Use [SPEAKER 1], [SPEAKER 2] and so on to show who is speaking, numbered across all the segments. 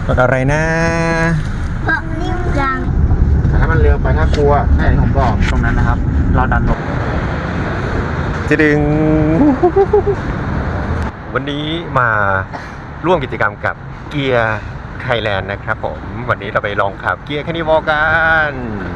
[SPEAKER 1] รถอะไรนะ
[SPEAKER 2] ก็นิ่มจัง
[SPEAKER 3] แต่ถ้ามันเร็วไปถ้ากลัวให้ผมบอกตรงนั้นนะครับเราดันลง
[SPEAKER 1] จะดึงวันนี้มาร่วมกิจกรรมกับเกียร์ไทยแลนด์นะครับผมวันนี้เราไปลองขับเกียร์แคนิวอลกัน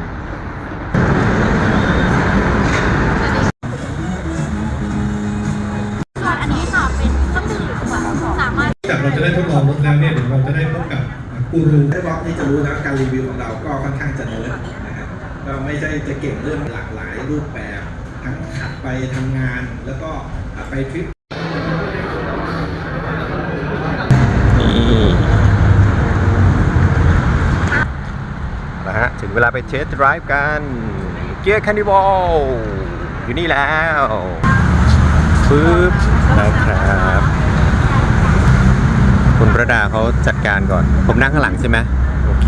[SPEAKER 2] อันนี้ค่ะเป็นเครื่องดื่มสามารถ
[SPEAKER 4] จากเราจะได้ทดลองรถแล้วเนี่ยเดี๋ยวเราจะได้พบกับกูรู
[SPEAKER 5] ได้บล็อกนี่จะรู้นะการรีวิวของเราก็ค่อนข้างจะเนิร์ดนะครับก็ไม่ใช่จะเก่งเรื่องหลากหลายรูปแบบทั้งขับไปทำงานแล้วก็ไปทริป
[SPEAKER 1] นี่นะฮะถึงเวลาไปเทสต์ไดรฟ์กันเกียร์แคนิวอลอยู่นี่แล้วปึ๊บนะครับคุณประดาเขาจัดการก่อนผมนั่งข้างหลังใช่ไหมโอเค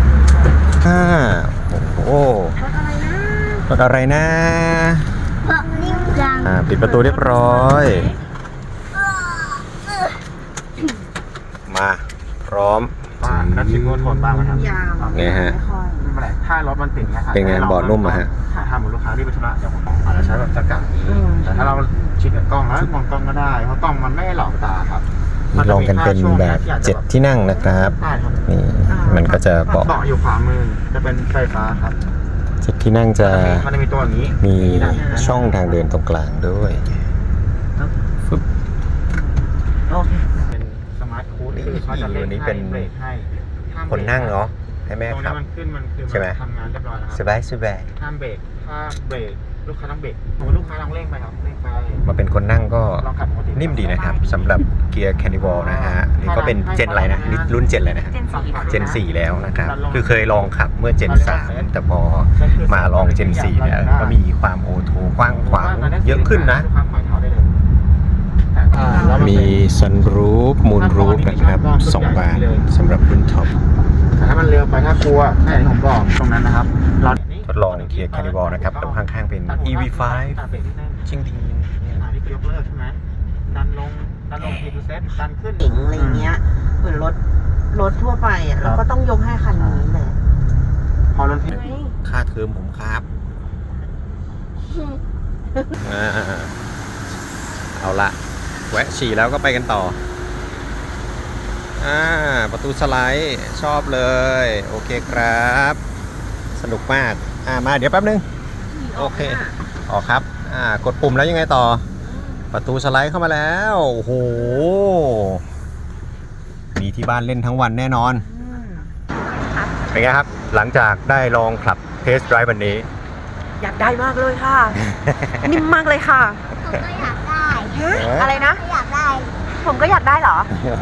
[SPEAKER 1] โอ้โหรถอะไรนะ
[SPEAKER 2] ก็นิ่มจัง
[SPEAKER 1] ปิดประตูเรียบร้อยมาพร้อม
[SPEAKER 3] แล้วชิมโทนบ้างไหมครับ
[SPEAKER 1] ไงฮะ
[SPEAKER 3] ไม่เป็นไรถ้ารถมันติดไง
[SPEAKER 1] เป็นไงบอร์ดนุ่มอะฮะ
[SPEAKER 3] ถ้าหมดลูกค้าที่ไปธุระเดี๋ยวผมอาจจะใช้แบบจักรนี้แต่ถ้าเราชิดกับกล้องแล้วมองกล้องก็ได้เพราะกล้องมันไม่หลอกตาครับ
[SPEAKER 1] ลองกันเป็นแบบ7ที่นั่งนะครับนี่มันก็จะบอก
[SPEAKER 3] เบาะอยู่ขวามือจะเป็นไฟฟ้าครับ
[SPEAKER 1] 7ที่นั่งจะ
[SPEAKER 3] มีตัวอย่างนี้
[SPEAKER 1] มีช่องทางเดินตรงกลางด้วยฟึบ
[SPEAKER 3] เป็นสมาร์ทคูดคือเขาจะเล่นให้เบรกให้
[SPEAKER 1] คนนั่งเนาะให้แม่ขับ
[SPEAKER 3] มันขึ้นมันคือทำงานเรียบร้อยแล้วครับ
[SPEAKER 1] สบายสบาย
[SPEAKER 3] ห้ามเบรกถ้าเบรกลูกค้าต้องเบรกลูกค้าต้องเร่งไปครับเร่งไป
[SPEAKER 1] มาเป็นคนนั่งก็นิ่มดีนะครับสำหรับเกียร์แคนิวอลนะฮะนี่ก็เป็นเจนอะไรนะนี่รุ่นเจนอะไรนะเจน4แล้วนะครับคือเคยลองขับเมื่อเจน3แต่พอมาลองเจน4เนี่ยก็มีความโอโทกว้างขวางเยอะขึ้นนะมีซันรูฟมูนรูฟนะครับ2 บานสำหรับรุ่นท็อป
[SPEAKER 3] แต่ถ้ามันเร็วไปถ้ากลัวให้ผมบอกตรงนั้นนะครับ
[SPEAKER 1] ทดลองเกียร์แคนิวอลนะครับตรงข้างๆเป็น EV5 ชิงดิง
[SPEAKER 3] นี่ยกเลิกใช่ไหมดันลงทีดูเซตดันขึ้น
[SPEAKER 6] หญิงอะไรเงี้ยเหมือนรถทั่วไปอ่ะเราก็ต้องยกให้คันนี้แหละ
[SPEAKER 3] พอรถที่
[SPEAKER 1] ค่าเทอมผมครับเอาละแวะฉี่แล้วก็ไปกันต่อประตูสไลด์ชอบเลยโอเคครับสนุกมากมาเดี๋ยวแป๊บนึงโอเคอ๋อครับกดปุ่มแล้วยังไงต่อประตูสไลด์เข้ามาแล้วโอ้โหมีที่บ้านเล่นทั้งวันแน่นอนเป็นไงครับหลังจากได้ลองขับเทสต์ไดรฟ์วันนี้
[SPEAKER 6] อยากได้มากเลยค่ะนิ่มมากเลยค่ะ
[SPEAKER 2] ผมก็อยากได้
[SPEAKER 6] อะไรนะ
[SPEAKER 2] อยากได้
[SPEAKER 6] ผมก็อยากได้เหรอ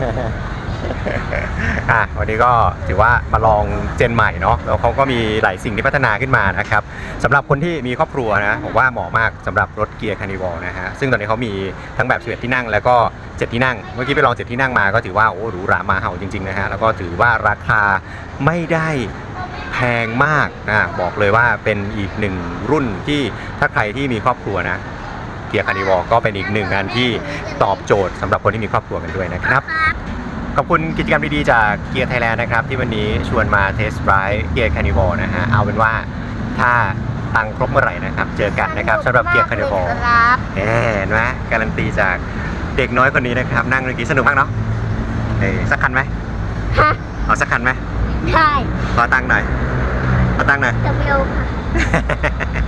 [SPEAKER 1] วันนี้ก็ถือว่ามาลองเจนใหม่เนาะแล้วเขาก็มีหลายสิ่งที่พัฒนาขึ้นมานะครับสำหรับคนที่มีครอบครัวนะผมว่าเหมาะมากสำหรับรถเกียร์คาร์นิวัลนะฮะซึ่งตอนนี้เขามีทั้งแบบ11ที่นั่งแล้วก็7ที่นั่งเมื่อกี้ไปลอง7ที่นั่งมาก็ถือว่าโอ้หรูหรามาเห่าจริงๆนะฮะแล้วก็ถือว่าราคาไม่ได้แพงมากบอกเลยว่าเป็นอีกหนึ่งรุ่นที่ถ้าใครที่มีครอบครัวนะเกียร์คาร์นิวัลก็เป็นอีกหนึ่งงานที่ตอบโจทย์สำหรับคนที่มีครอบครัวกันด้วยนะครับขอบคุณกิจกรรมดีๆจากเกียร์ไทยแลนด์นะครับที่วันนี้ชวนมาเทสต์ไดรฟ์เกียร์คาร์นิวัลนะฮะเอาเป็นว่าถ้าตังครบเมื่อไหร่นะครับเจอกันนะครับสำหรับเกียร์คาร์นิวัลเห็นไหมการันตีจากเด็กน้อยคนนี้นะครับนั่งเมื่อกี้สนุกมากเนาะสักคันไหมเอาสักคันไหม
[SPEAKER 2] ได้
[SPEAKER 1] ขอตังค์หน่อยขอตังค์หน่อย
[SPEAKER 2] จะเร็วค่ะ